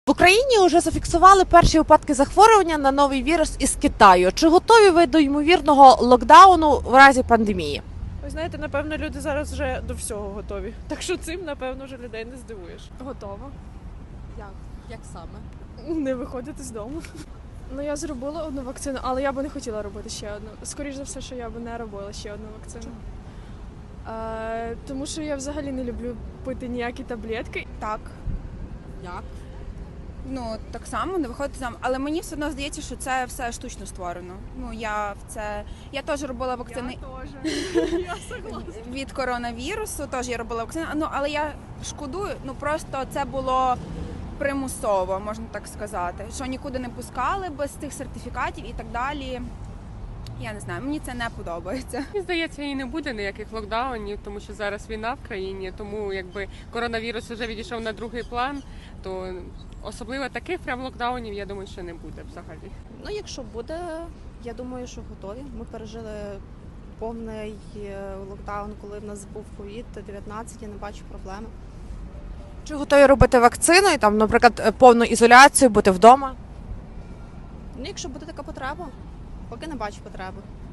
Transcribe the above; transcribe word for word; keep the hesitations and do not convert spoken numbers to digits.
В Україні вже зафіксували перші випадки захворювання на новий вірус із Китаю. Чи готові ви до ймовірного локдауну в разі пандемії? Ви знаєте, напевно, люди зараз вже до всього готові. Так що цим, напевно, вже людей не здивуєш. Готова. Як? Як саме? Не виходити з дому. Ну, я зробила одну вакцину, але я би не хотіла робити ще одну. Скоріше за все, що я би не робила ще одну вакцину. Е, тому що я взагалі не люблю пити ніякі таблетки. Так, Як? ну так само не виходити там. Але мені все одно здається, що це все штучно створено. Ну я в це я теж робила вакцини Я согласна. від коронавірусу. Теж я робила вакцини. Ну але я шкодую. Ну просто це було примусово, можна так сказати. Що нікуди не пускали без тих сертифікатів і так далі. Я не знаю, мені це не подобається. Мені здається, і не буде ніяких локдаунів, тому що зараз війна в країні, тому якби коронавірус вже відійшов на другий план, то особливо таких прям локдаунів, я думаю, що не буде взагалі. Ну, якщо буде, я думаю, що готові. Ми пережили повний е, локдаун, коли в нас був ковід дев'ятнадцять, я не бачу проблеми. Чи готові робити вакцину і там, наприклад, повну ізоляцію, бути вдома? Ну, якщо буде така потреба, поки не бачу потреби.